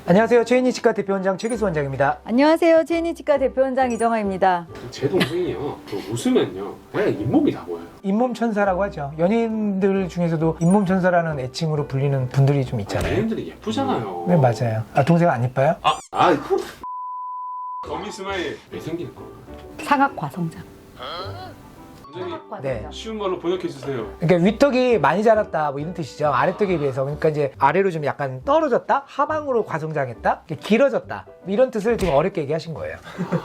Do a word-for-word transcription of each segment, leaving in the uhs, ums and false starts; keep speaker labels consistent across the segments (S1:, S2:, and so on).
S1: 안녕하세요. 최인희 치과 대표원장 최기수 원장입니다.
S2: 안녕하세요. 최인희 치과 대표원장 이정아입니다.
S3: 제 동생이요. 그 웃으면요. 그냥 잇몸이 다 보여요.
S1: 잇몸 천사라고 하죠. 연예인들 중에서도 잇몸 천사라는 애칭으로 불리는 분들이 좀 있잖아요.
S3: 연예인들이 예쁘잖아요.
S1: 네, 맞아요. 아, 동생 안 이뻐요?
S3: 아, 아. 거미 스마일 왜 생기는 거?
S2: 상악 과성장.
S3: 원장님
S1: 네.
S3: 쉬운 말로 번역해 주세요.
S1: 그러니까 윗턱이 많이 자랐다 뭐 이런 뜻이죠. 아래턱에 비해서. 그러니까 이제 아래로 좀 약간 떨어졌다? 하방으로 과성장했다? 길어졌다. 이런 뜻을 지금 어렵게 얘기하신 거예요.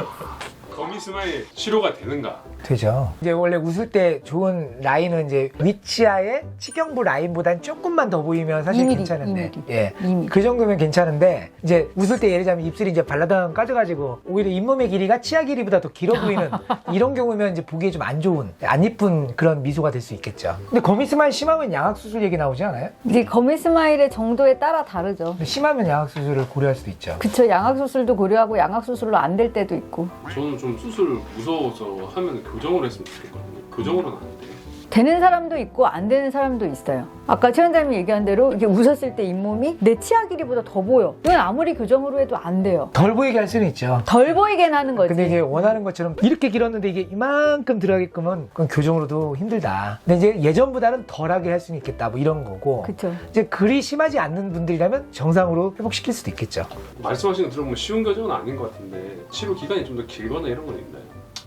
S3: 거미 스마일 치료가 되는가?
S1: 되죠. 이제 원래 웃을 때 좋은 라인은 이제 위치아의 치경부 라인보단 조금만 더 보이면 사실
S2: 이 밀리미터,
S1: 괜찮은데,
S2: 이 밀리미터.
S1: 예,
S2: 이 밀리미터.
S1: 그 정도면 괜찮은데 이제 웃을 때 예를 들자면 입술이 이제 발라당 까져가지고 오히려 잇몸의 길이가 치아 길이보다 더 길어 보이는 이런 경우면 이제 보기에 좀 안 좋은, 안 이쁜 그런 미소가 될 수 있겠죠. 근데 거미 스마일 심하면 양악 수술 얘기 나오지 않아요?
S2: 이제 거미 스마일의 정도에 따라 다르죠.
S1: 근데 심하면 양악 수술을 고려할 수도 있죠.
S2: 그쵸. 양악 수술도 고려하고 양악 수술로 안 될 때도 있고.
S3: 저는 좀 수술 무서워서 하면 교정을 했으면 좋겠거든요. 교정으로는 안 돼요.
S2: 되는 사람도 있고 안 되는 사람도 있어요. 아까 최 원장님이 얘기한 대로 이게 웃었을 때 잇몸이 내 치아 길이보다 더 보여. 이건 아무리 교정으로 해도 안 돼요.
S1: 덜 보이게 할 수는 있죠.
S2: 덜 보이게 하는 거지.
S1: 근데 이제 원하는 것처럼 이렇게 길었는데 이게 이만큼 들어가게끔은 그건 교정으로도 힘들다. 근데 이제 예전보다는 덜하게 할 수는 있겠다. 뭐 이런 거고.
S2: 그쵸.
S1: 이제 그리 심하지 않는 분들이라면 정상으로 회복시킬 수도 있겠죠.
S3: 말씀하시는 거 들어보면 쉬운 교정은 아닌 것 같은데 치료 기간이 좀 더 길거나 이런 건 있나요?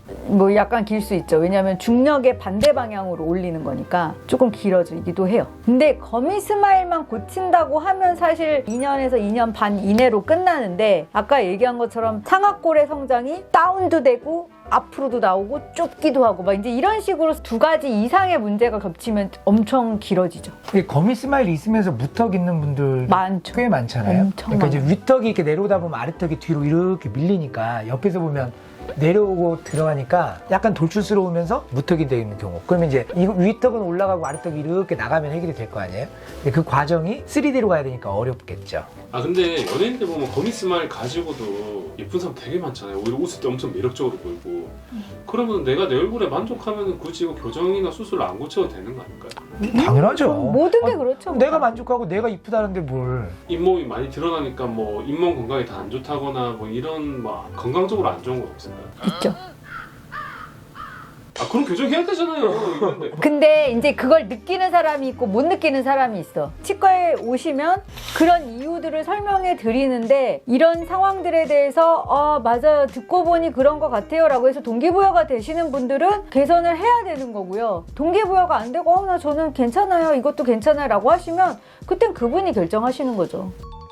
S2: 뭐 약간 길 수 있죠. 왜냐하면 중력의 반대 방향으로 올리는 거니까 조금 길어지기도 해요. 근데 거미 스마일만 고친다고 하면 사실 이 년에서 이 년 반 이내로 끝나는데 아까 얘기한 것처럼 상악골의 성장이 다운도 되고 앞으로도 나오고 좁기도 하고 막 이제 이런 식으로 두 가지 이상의 문제가 겹치면 엄청 길어지죠.
S1: 이게 거미 스마일이 있으면서 무턱 있는 분들
S2: 많죠.
S1: 꽤 많잖아요.
S2: 엄청
S1: 그러니까 이제
S2: 많아요.
S1: 윗턱이 이렇게 내려오다 보면 아래턱이 뒤로 이렇게 밀리니까 옆에서 보면 내려오고 들어가니까 약간 돌출스러우면서 무턱이 되는 경우. 그러면 이제 이 윗턱은 올라가고 아래턱이 이렇게 나가면 해결이 될 거 아니에요? 근데 그 과정이 쓰리디로 가야 되니까 어렵겠죠.
S3: 아 근데 연예인들 보면 거미 스마일 가지고도 예쁜 사람 되게 많잖아요. 오히려 웃을 때 엄청 매력적으로 보이고. 그러면 내가 내 얼굴에 만족하면 굳이 이거 교정이나 수술을 안 고쳐도 되는 거 아닐까요?
S1: 당연하죠.
S2: 모든 게
S1: 아,
S2: 그렇죠.
S1: 내가 만족하고 내가 이쁘다는데 뭘.
S3: 잇몸이 많이 드러나니까 뭐 잇몸 건강에 다 안 좋다거나 뭐 이런 뭐 건강적으로 안 좋은 건 없을까요?
S2: 있죠.
S3: 아 그럼 교정해야 되잖아요. 이런데.
S2: 근데 이제 그걸 느끼는 사람이 있고 못 느끼는 사람이 있어. 치과에 오시면 그런 이유들을 설명해 드리는데 이런 상황들에 대해서 아 맞아요 듣고 보니 그런 것 같아요 라고 해서 동기부여가 되시는 분들은 개선을 해야 되는 거고요. 동기부여가 안 되고 어, 나 저는 괜찮아요 이것도 괜찮아요 라고 하시면 그땐 그분이 결정하시는 거죠.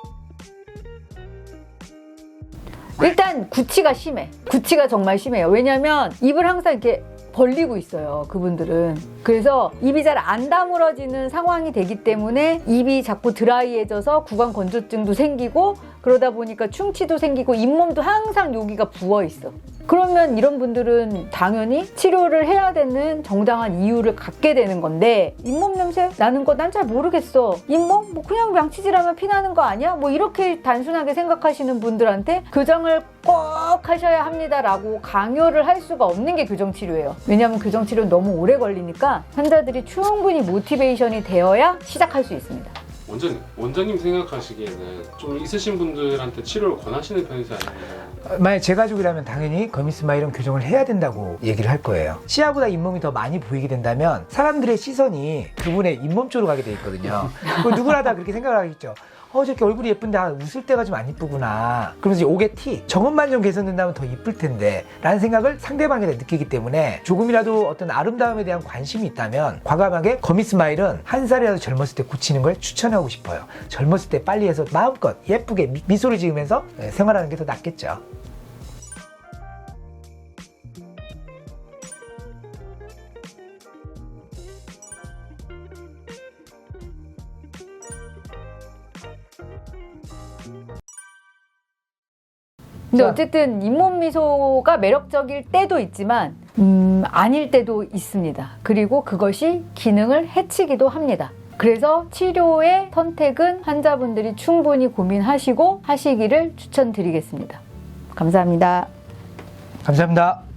S2: 일단 구취가 심해. 구취가 정말 심해요. 왜냐면 입을 항상 이렇게 벌리고 있어요. 그분들은. 그래서 입이 잘 안 다물어지는 상황이 되기 때문에 입이 자꾸 드라이해져서 구강 건조증도 생기고 그러다 보니까 충치도 생기고 잇몸도 항상 여기가 부어 있어. 그러면 이런 분들은 당연히 치료를 해야 되는 정당한 이유를 갖게 되는 건데 잇몸 냄새 나는 거 난 잘 모르겠어. 잇몸? 뭐 그냥 양치질하면 피 나는 거 아니야? 뭐 이렇게 단순하게 생각하시는 분들한테 교정을 꼭 하셔야 합니다라고 강요를 할 수가 없는 게 교정치료예요. 왜냐하면 교정치료는 너무 오래 걸리니까 환자들이 충분히 모티베이션이 되어야 시작할 수 있습니다.
S3: 원장님, 원장님 생각하시기에는 좀 있으신 분들한테 치료를 권하시는 편이세요? 아니면
S1: 만약 제 가족이라면 당연히 거미 스마일은 교정을 해야 된다고 얘기를 할 거예요. 치아보다 잇몸이 더 많이 보이게 된다면 사람들의 시선이 그분의 잇몸 쪽으로 가게 돼 있거든요. 누구나 다 그렇게 생각을 하겠죠. 어 저렇게 얼굴이 예쁜데 아, 웃을 때가 좀 안 이쁘구나. 그러면서 이제 옥의 티 저것만 좀 개선된다면 더 이쁠 텐데 라는 생각을 상대방에 대해 느끼기 때문에 조금이라도 어떤 아름다움에 대한 관심이 있다면 과감하게 거미 스마일은 한 살이라도 젊었을 때 고치는 걸 추천하고 싶어요. 젊었을 때 빨리 해서 마음껏 예쁘게 미, 미소를 지으면서 생활하는 게 더 낫겠죠.
S2: 근데
S1: 자.
S2: 어쨌든 잇몸 미소가 매력적일 때도 있지만 음, 아닐 때도 있습니다. 그리고 그것이 기능을 해치기도 합니다. 그래서 치료의 선택은 환자분들이 충분히 고민하시고 하시기를 추천드리겠습니다. 감사합니다.
S1: 감사합니다.